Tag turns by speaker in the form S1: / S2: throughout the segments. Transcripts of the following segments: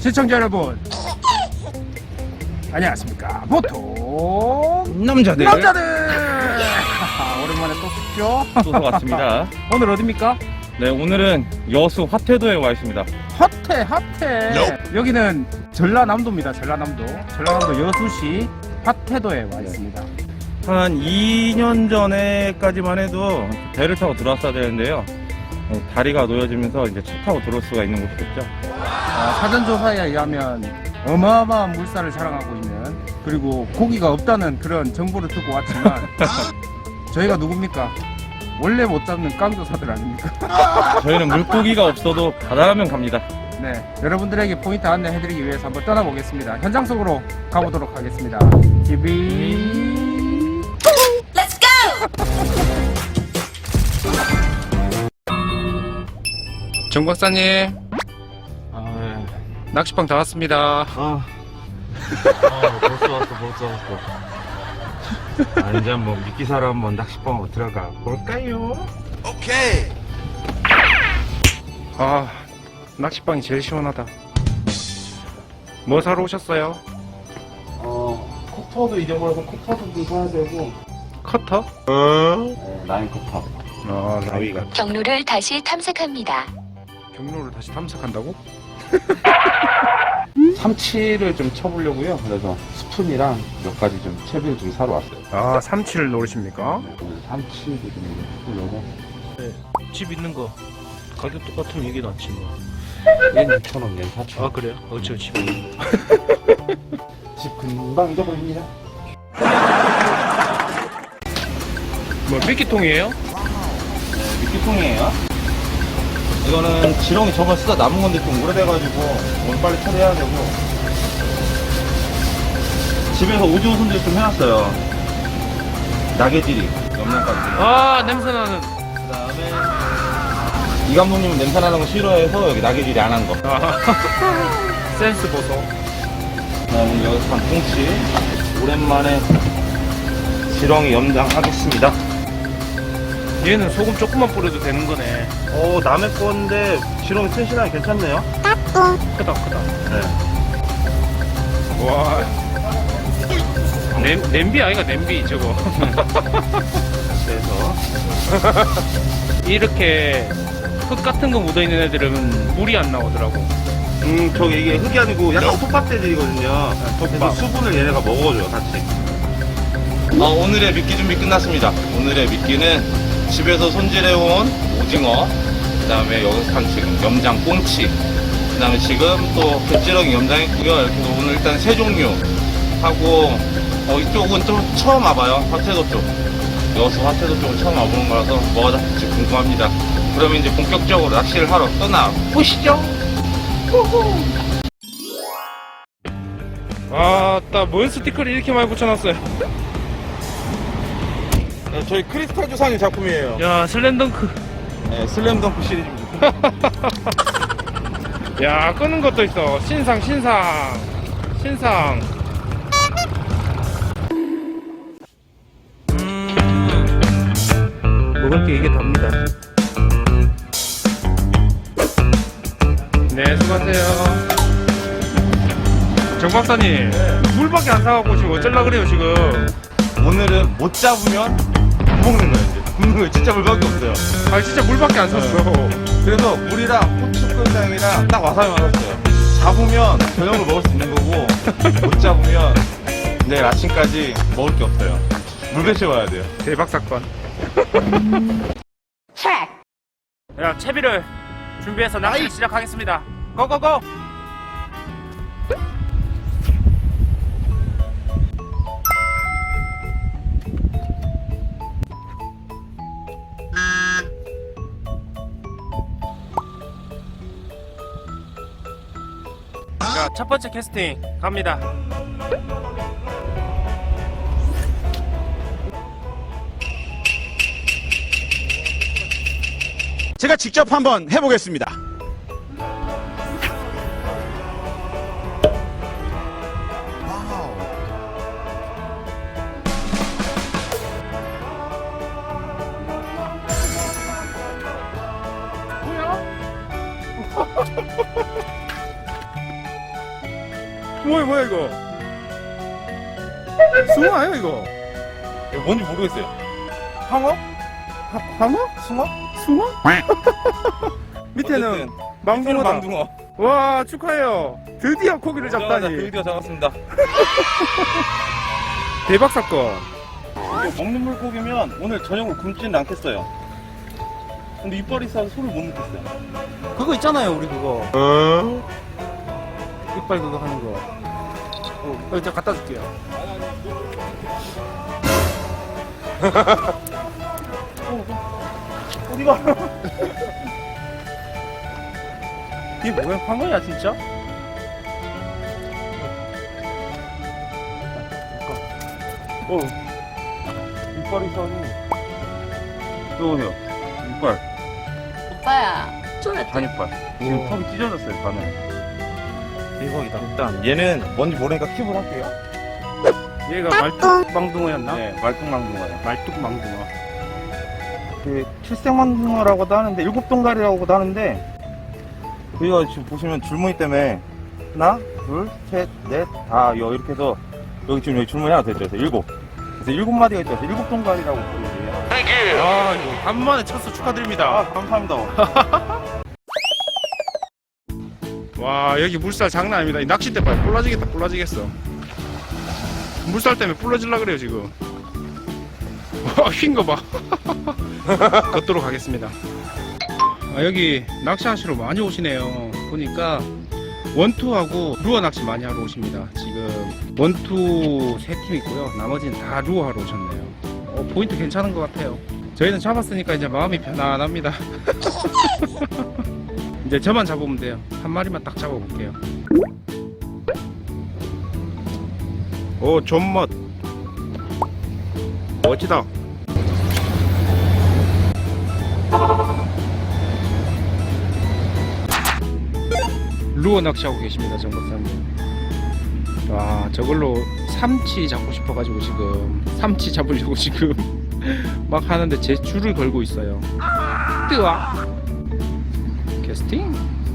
S1: 시청자 여러분 안녕하십니까. 보통 남자들 오랜만에 또 뵙죠.
S2: 또 왔습니다.
S1: 오늘 어딥니까?
S2: 네, 오늘은 여수 화태도에 와 있습니다.
S1: 화태 여기는 전라남도입니다. 전라남도 여수시 화태도에 와 있습니다.
S2: 한 2년 전에까지만 해도 배를 타고 들어왔어야 되는데요. 다리가 놓여지면서 이제 차 타고 들어올 수가 있는 곳이겠죠.
S1: 사전조사에 의하면 어마어마한 물살을 자랑하고 있는, 그리고 고기가 없다는 그런 정보를 듣고 왔지만 저희가 누굽니까? 원래 못 잡는 깡조사들 아닙니까?
S2: 저희는 물고기가 없어도 바다라면 갑니다.
S1: 네, 여러분들에게 포인트 안내해드리기 위해서 한번 떠나보겠습니다. 현장 속으로 가보도록 하겠습니다. TV
S3: Let's go!
S1: 정 박사님, 낚시방 다 왔습니다.
S4: 벌써 왔어. 이제 한번 미끼사로 한번 낚시방으로 들어가 볼까요?
S3: 오케이.
S1: 낚시방이 제일 시원하다. 뭐 사러 오셨어요?
S4: 커터도 잊어버려서 커터도 좀 사야 되고.
S1: 커터?
S4: 네, 라인 커터.
S1: 나위가
S5: 경로를 다시 탐색합니다.
S1: 경로를 다시 탐색한다고?
S4: 삼치를 좀 쳐보려고요. 그래서 스푼이랑 몇 가지 좀 채비를 좀 사러 왔어요.
S1: 삼치를 노리십니까?
S4: 네, 오늘 삼치도 좀 해보려고.
S6: 집 있는 거 가격 똑같으면 이게 낫지 뭐.
S4: 얘는 6,000원, 얘는 4,000원.
S6: 그래요? 저 집.
S4: 집 금방 잊어버립니다.
S1: 뭐 미끼통이에요?
S2: 네, 미끼통이에요. 이거는 지렁이 저번 쓰다 남은 건데 좀 오래돼가지고 오늘 빨리 처리해야 되고, 집에서 오징어 손질 좀 해놨어요. 나게지리, 염량까지.
S1: 냄새나는.
S2: 그 다음에 이 감독님은 냄새 나는 거 싫어해서 여기 나게지리 안 한 거.
S1: 센스 보소.
S2: 그 다음에 여기서 한 통치. 오랜만에 지렁이 염장하겠습니다.
S1: 얘는 소금 조금만 뿌려도 되는 거네.
S2: 남의 건데 지렁이 튼실하게 괜찮네요.
S1: 크다.
S2: 네.
S1: 와. 냄비 아이가 냄비 저거.
S2: 그래서
S1: 이렇게 흙 같은 거 묻어 있는 애들은 물이 안 나오더라고.
S2: 저기 이게 흙이 아니고 약간 톱밥대들이거든요. 그래서 수분을 얘네가 먹어줘요, 같이. 오늘의 미끼 준비 끝났습니다. 오늘의 미끼는 집에서 손질해온 오징어, 그 다음에 여기서 한 지금 염장 꽁치, 그 다음에 지금 또 갯지렁이 염장했고요. 이렇게 오늘 일단 세 종류 하고, 이쪽은 좀 처음 와봐요. 화태도 쪽. 여수 화태도 쪽은 처음 와보는 거라서 뭐가 잡힐지 궁금합니다. 그러면 이제 본격적으로 낚시를 하러 떠나보시죠.
S1: 뭔 스티커를 이렇게 많이 붙여놨어요.
S2: 저희 크리스탈 조상의 작품이에요.
S1: 야, 슬램덩크.
S2: 네, 슬램덩크 시리즈입니다.
S1: 야, 끄는 것도 있어. 신상. 먹을 게 이게 답니다. 네, 수고하세요. 정 박사님, 물밖에 안 사갖고 지금 어쩌려 그래요, 지금?
S2: 오늘은 못 잡으면 안 먹는 거예요. 이제 굽는 거예요. 진짜 물밖에 없어요.
S1: 진짜 물밖에 안 샀어.
S2: 그래서 물이랑 고추 끓장이랑 딱 와사비만 샀어요. 잡으면 저녁으로 먹을 수 있는 거고, 못 잡으면 내일 아침까지 먹을 게 없어요. 물 배채워야 돼요.
S1: 대박 사건. 야, 채비를 준비해서 낚시를 시작하겠습니다. 고고고! 자, 첫 번째 캐스팅 갑니다.
S7: 제가 직접 한번 해보겠습니다.
S1: 뭐야 이거? 숭어 아니야 이거?
S2: 뭔지 모르겠어요.
S1: 황어? 황어?
S2: 숭어?
S1: 숭어? 밑에는
S2: 어쨌든
S1: 망둥어다.
S2: 망둥어.
S1: 와 축하해요. 드디어 고기를 잡다니.
S2: 드디어 잡았습니다.
S1: 대박 사건.
S2: 이거 먹는 물고기면 오늘 저녁을 굶지는 않겠어요. 근데 이빨이 있어서 손을 못 넣겠어요.
S1: 그거 있잖아요 우리 그거. 이빨 그거 하는 거. 일단 갖다 줄게요.
S2: 어디가?
S1: 이게 뭐야? 황어야 진짜?
S2: 이빨이 있어서. 여보세요. 이빨.
S5: 오빠야.
S2: 반이빨. 지금 턱이 찢어졌어요, 반은. 대박이다. 일단 얘는 뭔지 모르니까 킵을 할게요.
S1: 얘가 말뚝망둥어였나?
S2: 네, 말뚝망둥어요.
S1: 말뚝망둥어.
S2: 그 칠색망둥어라고도 하는데 일곱 동가리라고도 하는데 여기가 지금 보시면 줄무늬 때문에 하나, 둘, 셋, 넷, 다 이렇게 해서 여기 지금 여기 줄무늬 하나 더 있죠. 그래서 일곱. 그래서 일곱 마디가 있죠. 그래서 일곱 동가리라고 부르고요.
S1: 아 이거 간만에 쳤어 축하드립니다.
S2: 아, 감사합니다.
S1: 와 여기 물살 장난 아닙니다. 이 낚싯대 봐요. 뿔라지겠다 뿔라지겠어. 물살 때문에 뿔라질라 그래요 지금. 와 휜 거 봐. 걷도록 하겠습니다. 아, 여기 낚시하시러 많이 오시네요. 보니까 원투하고 루어 낚시 많이 하러 오십니다. 지금 원투 3팀 있고요. 나머지는 다 루어 하러 오셨네요. 포인트 괜찮은 것 같아요. 저희는 잡았으니까 이제 마음이 편안합니다. 이제 저만 잡으면 돼요. 한 마리만 딱 잡아볼게요. 오 존멋 멋지다. 루어 낚시하고 계십니다 정박사님. 와 저걸로 삼치 잡고 싶어가지고 지금 삼치 잡으려고 지금 막 하는데 제 줄을 걸고 있어요. 뜨아 캐스팅.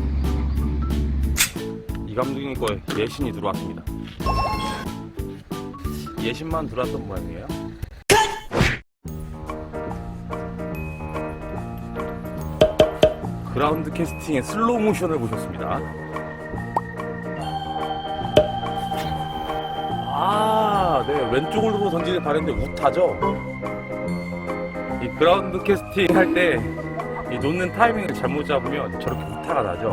S2: 이 감독님 거에 예신이 들어왔습니다. 예신만 들어왔던 모양이에요. 그라운드 캐스팅의 슬로우 모션을 보셨습니다. 아, 네. 왼쪽으로 던지는 바랬는데 우타죠? 이 그라운드 캐스팅 할 때 이 놓는 타이밍을 잘못 잡으면 저렇게 우타가 나죠?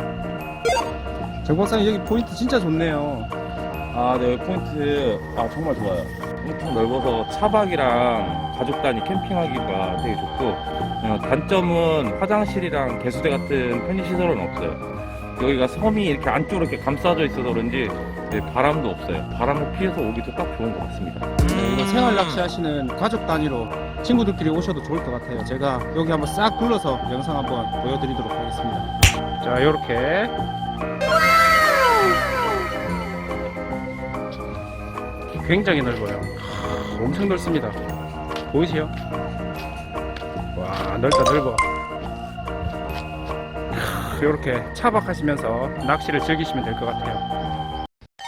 S1: 정박사님 여기 포인트 진짜 좋네요.
S2: 아, 네. 포인트, 정말 좋아요. 엄청 넓어서 차박이랑 가족 단위 캠핑하기가 되게 좋고, 단점은 화장실이랑 개수대 같은 편의시설은 없어요. 여기가 섬이 이렇게 안쪽으로 이렇게 감싸져 있어서 그런지 바람도 없어요. 바람을 피해서 오기도 딱 좋은 것 같습니다.
S1: 이거 생활 낚시 하시는 가족 단위로 친구들끼리 오셔도 좋을 것 같아요. 제가 여기 한번 싹 둘러서 영상 한번 보여드리도록 하겠습니다. 자, 요렇게 굉장히 넓어요. 엄청 넓습니다. 보이세요? 와, 넓다 넓어. 이렇게 차박하시면서 낚시를 즐기시면 될 것 같아요.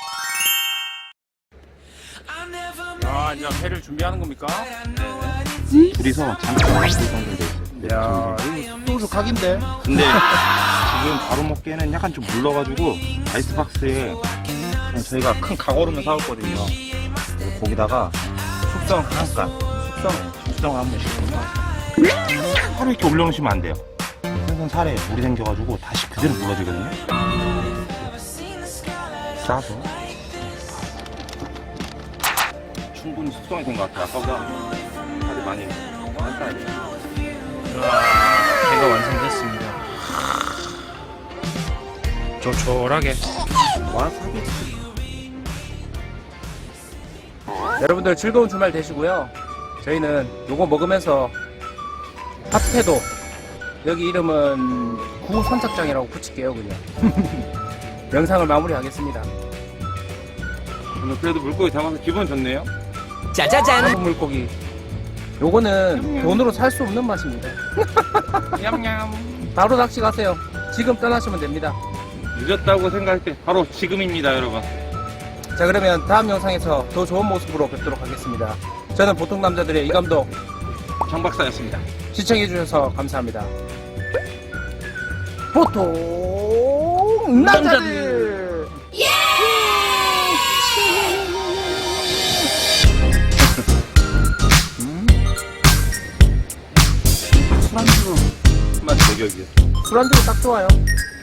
S1: 아, 이제 회를 준비하는 겁니까?
S4: 둘이서 잠깐 연결돼 있어요.
S1: 야, 이거 소주 각인데?
S2: 근데 지금 바로 먹기에는 약간 좀 물러가지고 아이스박스에 그냥 저희가 큰 각오름을 사왔거든요. 그래서 거기다가 숙성 잠깐 숙성을 한 번씩 하루 이렇게 올려놓으시면 안 돼요. 생선 살에 물이 생겨가지고 다시 그대로 물러지거든요. 싸서 충분히 숙성이 된 것 같아요. 아까보다 살이 많이 안 따야 돼요.
S1: 회가 완성됐습니다. 조촐하게.
S2: 와사비.
S1: 여러분들 즐거운 주말 되시고요. 저희는 요거 먹으면서 핫회도 여기 이름은 구선착장이라고 붙일게요 그냥. 영상을 마무리하겠습니다.
S2: 오늘 그래도 물고기 잡아서 기분 좋네요.
S1: 한국 물고기. 요거는 돈으로 살 수 없는 맛입니다. 냠냠. 바로 낚시 가세요. 지금 떠나시면 됩니다.
S2: 늦었다고 생각할 때 바로 지금입니다, 여러분.
S1: 자, 그러면 다음 영상에서 더 좋은 모습으로 뵙도록 하겠습니다. 저는 보통 남자들의 이 감독
S6: 장 박사였습니다.
S1: 시청해주셔서 감사합니다. 보통 남자들!
S2: 술안주 맛 저격이야.
S1: 술안주로 딱 좋아요.